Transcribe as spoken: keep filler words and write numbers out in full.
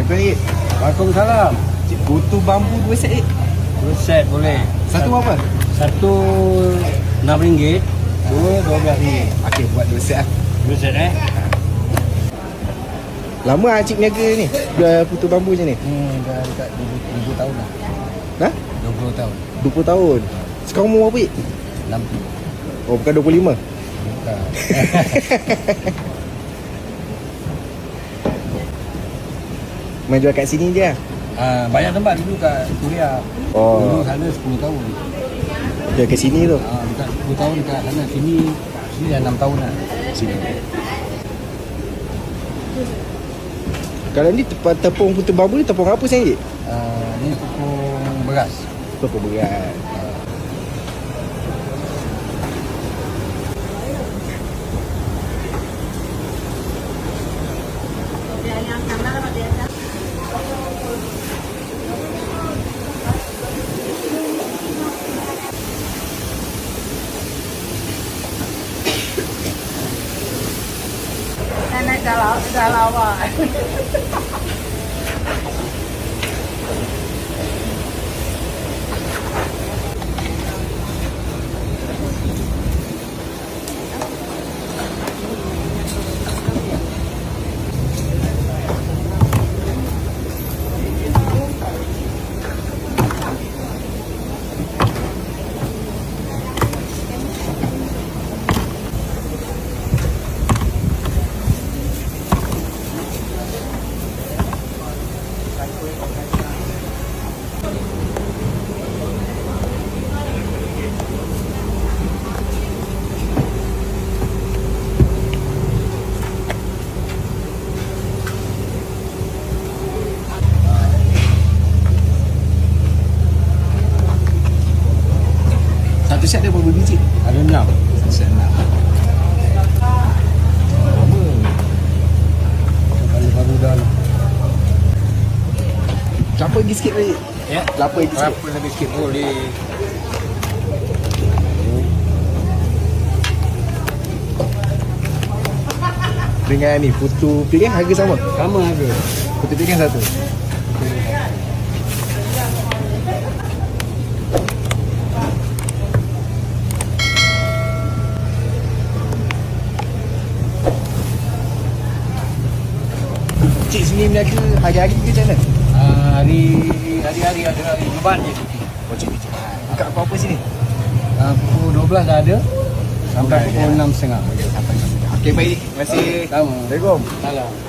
Assalamualaikum Cik. Waalaikumsalam. Cik, putu bambu dua set Cik. Dua set boleh. Satu berapa? Satu enam ringgit. Dua dua belas ringgit. Okey, buat dua set lah. Dua set eh. Lama lah Cik niaga ni? Jual putu bambu macam ni? Hmm, dah dekat dua puluh tahun lah. Dah? dua puluh tahun. dua puluh tahun. Sekarang umur berapa Cik? enam puluh. Oh, bukan dua puluh lima? Bukan. Main jual kat sini je lah? Ah, banyak tempat dulu kat Korea. Oh. Dulu sana sepuluh tahun. Jual kat sini tu? Ah, dekat sepuluh tahun dekat sana. Sini sini dah enam tahun lah. Sini. Kalau ni tep- tepung putu bambu ni tepung apa sebenarnya Cik? Ah, ni tepung beras. Tepung berat. Nenek dah lawa, dah lawa. Satu set ada berapa biji? Ada enam. Satu set enam. Apa? Kalau baru dah lah. Kelapa lagi sikit lagi. Ya. Kelapa lagi sikit. Berapa lebih sikit boleh. Dengan ni putu piring harga sama? Sama harga. Putu piring satu. Cik sini berniaga hari-hari ke macam mana? Ah, hari hari-hari ada hari Jumaat je cuti. Oh cik, cik. Buka apa-apa sini? Ah, pukul dua belas dah ada sampai Bukan, pukul ya. enam tiga puluh. Okey baik. Terima kasih. Sama. Assalamualaikum. Salam.